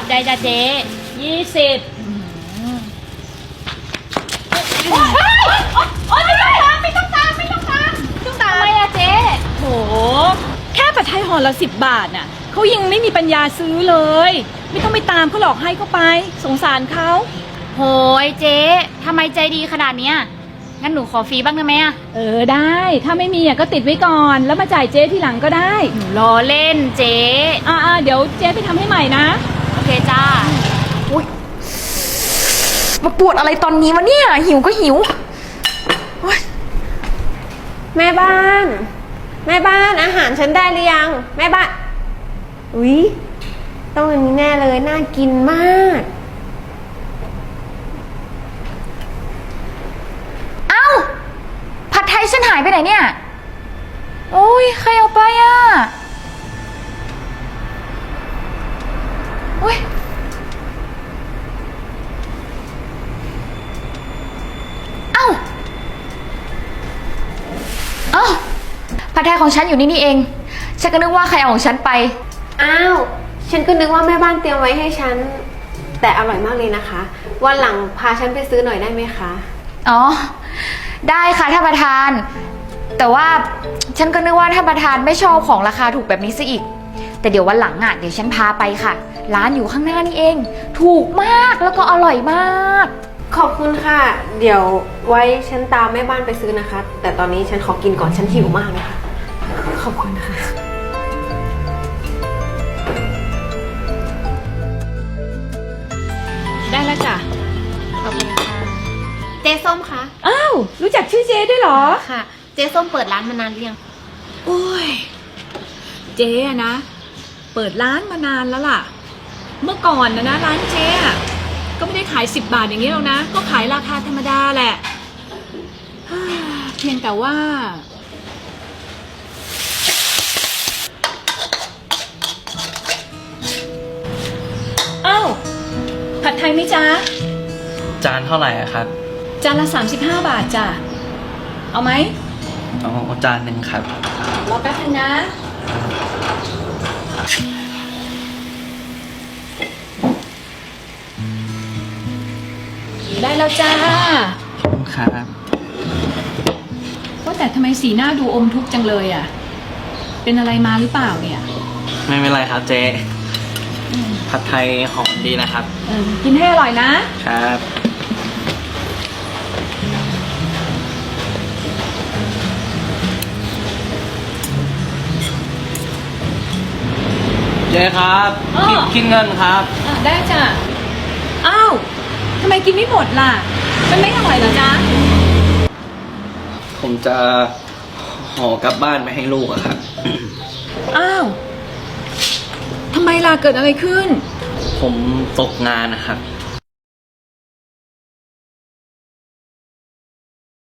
ใจจ้ะเจ๊20โอ๊ยไม่ต้องตามทำไมอะเจ๊โหแค่ผัดไทยห่อละ10 บาทน่ะเขายังไม่มีปัญญาซื้อเลยไม่ต้องไปตามเขาหลอกให้เขาไปสงสารเขาโหยเจ๊ทำไมใจดีขนาดเนี้ยงั้นหนูขอฟรีบ้างได้ไหมอะได้ถ้าไม่มีก็ติดไว้ก่อนแล้วมาจ่ายเจ๊ทีหลังก็ได้หนูล้อเล่นเจ๊เดี๋ยวเจ๊ไปทำให้ใหม่นะโอเคจ้าอุ๊ยมาปวดอะไรตอนนี้วะเนี่ยหิวก็หิวแม่บ้านอาหารฉันได้หรือยังแม่บ้านอุ๊ยต้องอันนี้แน่เลยน่ากินมากเอ้าผัดไทยฉันหายไปไหนเนี่ยโอ้ยใครเอาไปอ่ะอุ้ยเอ้าผัดไทยของฉันอยู่นี่เองฉันก็นึกว่าใครเอาของฉันไปอ้าวฉันก็นึกว่าแม่บ้านเตรียมไว้ให้ฉันแต่อร่อยมากเลยนะคะวันหลังพาฉันไปซื้อหน่อยได้ไหมคะอ๋อได้ค่ะท่านประธานแต่ว่าฉันก็นึกว่าท่านประธานไม่ชอบของราคาถูกแบบนี้ซะอีกแต่เดี๋ยววันหลังเดี๋ยวฉันพาไปค่ะร้านอยู่ข้างหน้านี่เองถูกมากแล้วก็อร่อยมากขอบคุณค่ะเดี๋ยวไว้ฉันตามแม่บ้านไปซื้อนะคะแต่ตอนนี้ฉันขอกินก่อนฉันหิวมากเลยค่ะขอบคุณค่ะได้แล้วจ้ะขอบคุณค่ะเจ๊ส้มคะอ้าวรู้จักชื่อเจ๊ด้วยเหรอค่ะเจ๊ส้มเปิดร้านมานานหรือยังโอ้ยเจ๊นะเปิดร้านมานานแล้วล่ะเมื่อก่อนนะร้านเจ๊ก็ไม่ได้ขาย10 บาทอย่างนี้หรอกนะก็ขายราคาธรรมดาแหละเพียงแต่ว่าอ้าวผัดไทยไหมจ๊ะจานเท่าไหร่ครับจานละ35 บาทจ้ะเอาไหมเอาจานหนึ่งครับรอแป๊บนึงนะได้แล้วจ้าขอบคุณครับว่าแต่ทำไมสีหน้าดูอมทุกข์จังเลยอ่ะเป็นอะไรมาหรือเปล่าเนี่ยไม่เป็นไรครับเจ๊ผัดไทยหอมดีนะครับกินให้อร่อยนะครับเจ๊ครับคิดเงินครับได้จ้ะอ้าวทำไมกินไม่หมดล่ะมันไม่อร่อยเหรอจ๊ะผมจะห่อกลับบ้านไปให้ลูกอะครับอ้าวทำไมล่ะเกิดอะไรขึ้นผมตกงานนะครับ